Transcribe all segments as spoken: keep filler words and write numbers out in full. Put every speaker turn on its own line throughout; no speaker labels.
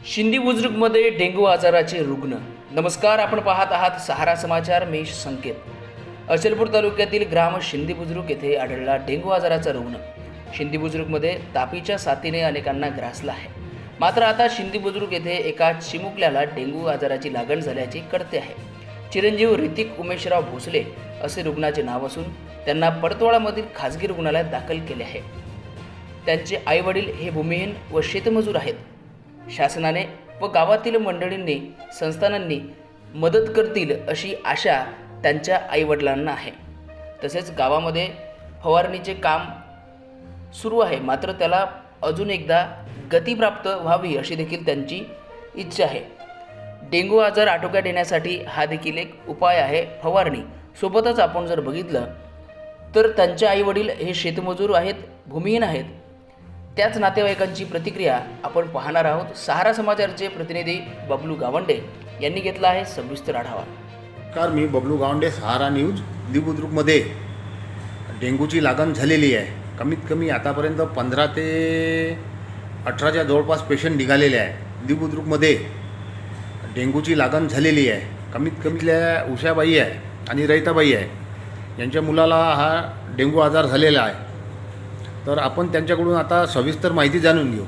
शिंदी बुजुर्गमध्ये dengue आजाराचे रुग्ण. नमस्कार, आपण पाहत आहात सहारा समाचार. मी संकेत. अचलपूर तालुक्यातील ग्राम शिंदी बुजुर्ग येथे आढळला डेंग्यू आजाराचा रुग्ण. शिंदी बुजुर्गमध्ये तापीच्या साथीने अनेकांना ग्रासला आहे. मात्र आता शिंदी बुजुर्ग येथे एका चिमुकल्याला डेंग्यू आजाराची लागण झाल्याचे कळते आहे. चिरंजीव ऋतिक उमेशराव भोसले असे रुग्णाचे नाव असून त्यांना परतवाडामधील खाजगी रुग्णालयात दाखल केले आहे. त्यांचे आईवडील हे भूमिहीन व शेतमजूर आहेत. शासनाने व गावातील मंडळींनी संस्थानांनी मदत करतील अशी आशा त्यांच्या आईवडिलांना आहे. तसेच गावामध्ये फवारणीचे काम सुरू आहे, मात्र त्याला अजून एकदा गती प्राप्त व्हावी अशी देखील त्यांची इच्छा आहे. डेंग्यू आजार आटोक्यात येण्यासाठी हा देखील एक उपाय आहे, फवारणी. सोबतच आपण जर बघितलं तर त्यांचे आईवडील हे शेतमजूर आहेत, भूमिहीन आहेत. त्याच नातेवाईकांची प्रतिक्रिया आपण पाहणार आहोत. सहारा समाचारचे प्रतिनिधी बबलू गावंडे यांनी घेतला आहे सविस्तर आढावा.
कार मी बबलू गावंडे, सहारा न्यूज. बुद्रुकमध्ये डेंग्यूची लागण झालेली आहे. कमीत कमी आतापर्यंत पंधरा ते अठराच्या जवळपास पेशंट निघालेले आहे. बुद्रुकमध्ये डेंग्यूची लागण झालेली आहे. कमीत कमीतल्या उषाबाई आहे आणि रैताबाई आहे, यांच्या मुलाला हा डेंग्यू आजार झालेला आहे. तर आपण त्यांच्याकडून आता सविस्तर माहिती जाणून घेऊ.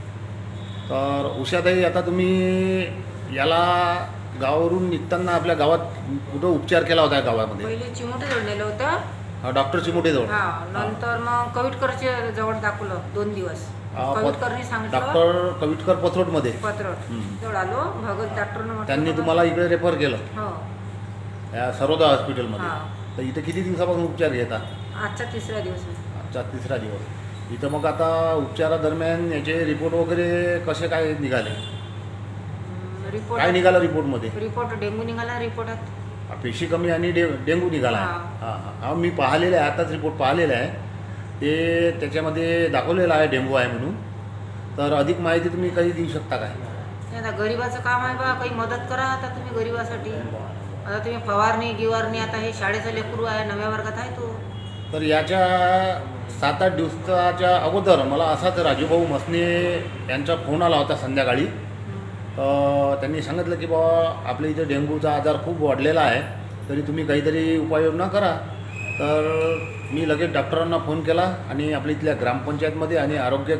तर उषाताई, आता तुम्ही याला गावावरून निघताना आपल्या गावात कुठं उपचार केला होता? गावामध्ये
पहिले चिमोटे नेलं होतं,
डॉक्टर चिमोटेजवळ.
हा, नंतर मग कविटकरच्या जवळ दाखवलं दोन दिवस. कविटकरनी सांगितलं,
डॉक्टर कविटकर पथरोटमध्ये
पत्रट जवळ आलो. भगत डॉक्टरनं
त्यांनी तुम्हाला इकडे रेफर केलं,
हो,
या सरोदा हॉस्पिटलमध्ये.
हा.
तर इथे किती दिवसापासून उपचार घेता?
आजचा तिसरा दिवस आहे.
आजचा तिसरा दिवस. इथं मग आता उपचारादरम्यान याचे रिपोर्ट वगैरे कसे काय निघाले?
रिपोर्ट
काय निघालं रिपोर्टमध्ये?
रिपोर्ट डेंग्यू निघाला रिपोर्टात.
पेशी कमी आणि डे डेंग्यू निघाला आहे. हां हां हां मी पाहिलेलं आहे, आताच रिपोर्ट पाहिलेला आहे. ते त्याच्यामध्ये दाखवलेलं आहे डेंग्यू आहे म्हणून. तर अधिक माहिती तुम्ही काही देऊ शकता काय?
आता गरीबाचं काम आहे बा, काही मदत करा आता तुम्ही गरीबासाठी. आता तुम्ही फवारणी गिवारणी, आता हे शाळेचं लेकरू आहे, नव्या वर्गात आहे तो.
तर याच्या सात आठ दिवसाच्या अगोदर मला असाच राजूभाऊ मसने यांचा फोन आला होता संध्याकाळी. तर त्यांनी सांगितलं की बाबा आपल्या इथे डेंग्यूचा आजार खूप वाढलेला आहे, तरी तुम्ही काहीतरी उपाययोजना करा. तर मी लगेच डॉक्टरांना फोन केला आणि आपल्या इथल्या ग्रामपंचायतमध्ये आणि आरोग्य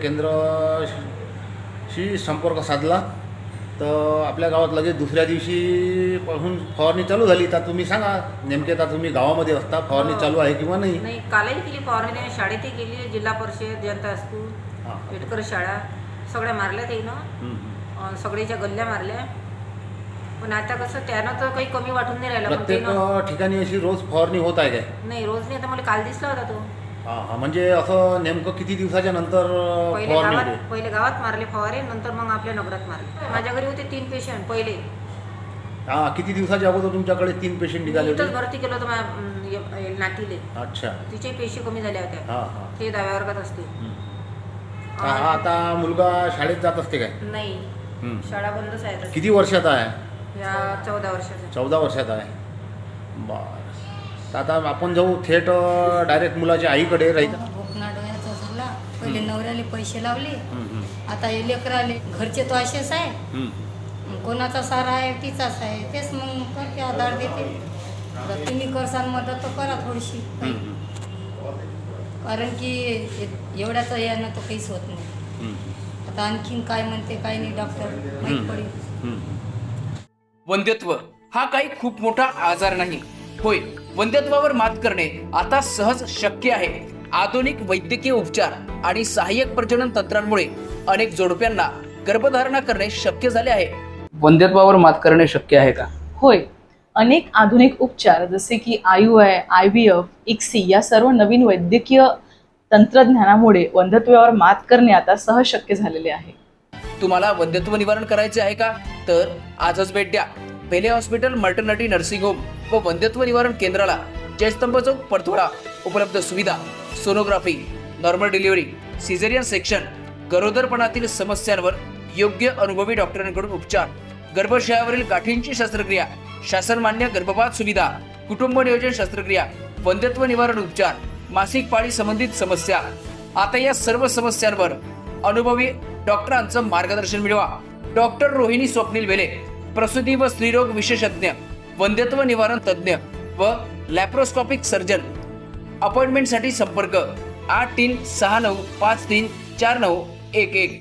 केंद्राशी संपर्क साधला. तर आपल्या गावात लगेच दुसऱ्या दिवशीपासून फवारणी चालू झाली. तर तुम्ही सांगा नेमके, आता तुम्ही गावामध्ये असता, फवारणी चालू आहे किंवा नाही?
नाही, कालही केली फवारणी. त्याने शाळेतही केली, जिल्हा परिषद, जनता स्कूल, पेटकर शाळा सगळ्या मारल्या त्यानं, सगळ्याच्या गल्ल्या मारल्या. पण आता कसं त्यानं तर काही कमी वाटून नाही राहिलं.
प्रत्येक ठिकाणी अशी रोज फवारणी होत आहे काय?
नाही, रोज नाही. आता मला काल दिसला होता तो.
हां हां म्हणजे असं नेमकं किती दिवसाच्या नंतर
पहिले
फवारणी
गावात
होते?
पहिले गावात मारले फवारे, नंतर मग आपल्या नगरात मारले. माझ्या घरी होते तीन पेशंट पहिले.
हां, किती दिवसाच्या अगोदर तुमच्याकडे तीन पेशंट निघाले
इथंच
होते?
भरती केलं होतं माझ्या नातीले.
अच्छा.
तिचे पेशी कमी झाल्या होत्या.
हां हां
ते दहाव्या वर्गात असते.
हा आता मुलगा शाळेत जात असते काय?
नाही,
हं.
शाळा बंदच आहे आता.
किती वर्षाचा आहे?
या चौदा वर्षाचा.
चौदा वर्षाचा आहे. बरं. तर आता आपण जाऊ थेट डायरेक्ट मुलाच्या आईकडे राहील.
भोकना डोळ्याचा झाला. पहिले नवऱ्याले पैसे लावले, आता हे लेकराले. घरचे तो असेच आहे, कोणाचा सारा आहे तिचाच आहे, तेच मग करते, आधार देते. आता तुम्ही करसान मदत तर करा थोडीशी, कारण की एवढ्याचं यानं तर काहीच होत नाही. आता आणखीन काय म्हणते काय नाही डॉक्टर माहीत पडेल.
वंध्यत्व हा काही खूप मोठा आजार नाही. होय, वंध्यत्वावर मात करणे आता सहज शक्य आहे. आधुनिक वैद्यकीय उपचार आणि सहाय्यक प्रजनन तंत्रांमुळे अनेक जोडप्यांना गर्भधारणा करणे शक्य झाले आहे. वंध्यत्वावर मात करणे शक्य आहे का?
होय, अनेक आधुनिक उपचार जसे की I U I, I V F, ICSI या सर्व नवीन वैद्यकीय तंत्रज्ञानामुळे वंध्यत्वावर मात करणे आता सहज शक्य झालेले आहे.
तुम्हाला वंध्यत्व निवारण करायचे आहे का? तर आजच भेट द्या Pele hospital maternity nursing home व वंध्यत्व निवारण केंद्राला, जयस्तंभ चौक, परतवाडा. उपलब्ध सुविधा: sonography, normal delivery, caesarean section, गरोदरपणातील समस्यांवर योग्य अनुभवी डॉक्टरांकडून उपचार, गर्भाशयावरील गाठींची शस्त्रक्रिया, शासनमान्य गर्भपात सुविधा, कुटुंब नियोजन शस्त्रक्रिया, वंध्यत्व निवारण उपचार, मासिक पाळी संबंधित समस्या. आता या सर्व समस्यांवर अनुभवी डॉक्टरांचं मार्गदर्शन मिळवा. डॉक्टर रोहिणी स्वप्नील वेले, प्रसूती व स्त्रीरोग विशेषज्ञ, वंध्यत्व निवारण तज्ज्ञ व लॅप्रोस्कोपिक सर्जन. अपॉइंटमेंटसाठी संपर्क आठ तीन सहा नऊ पाच तीन चार नऊ एक एक.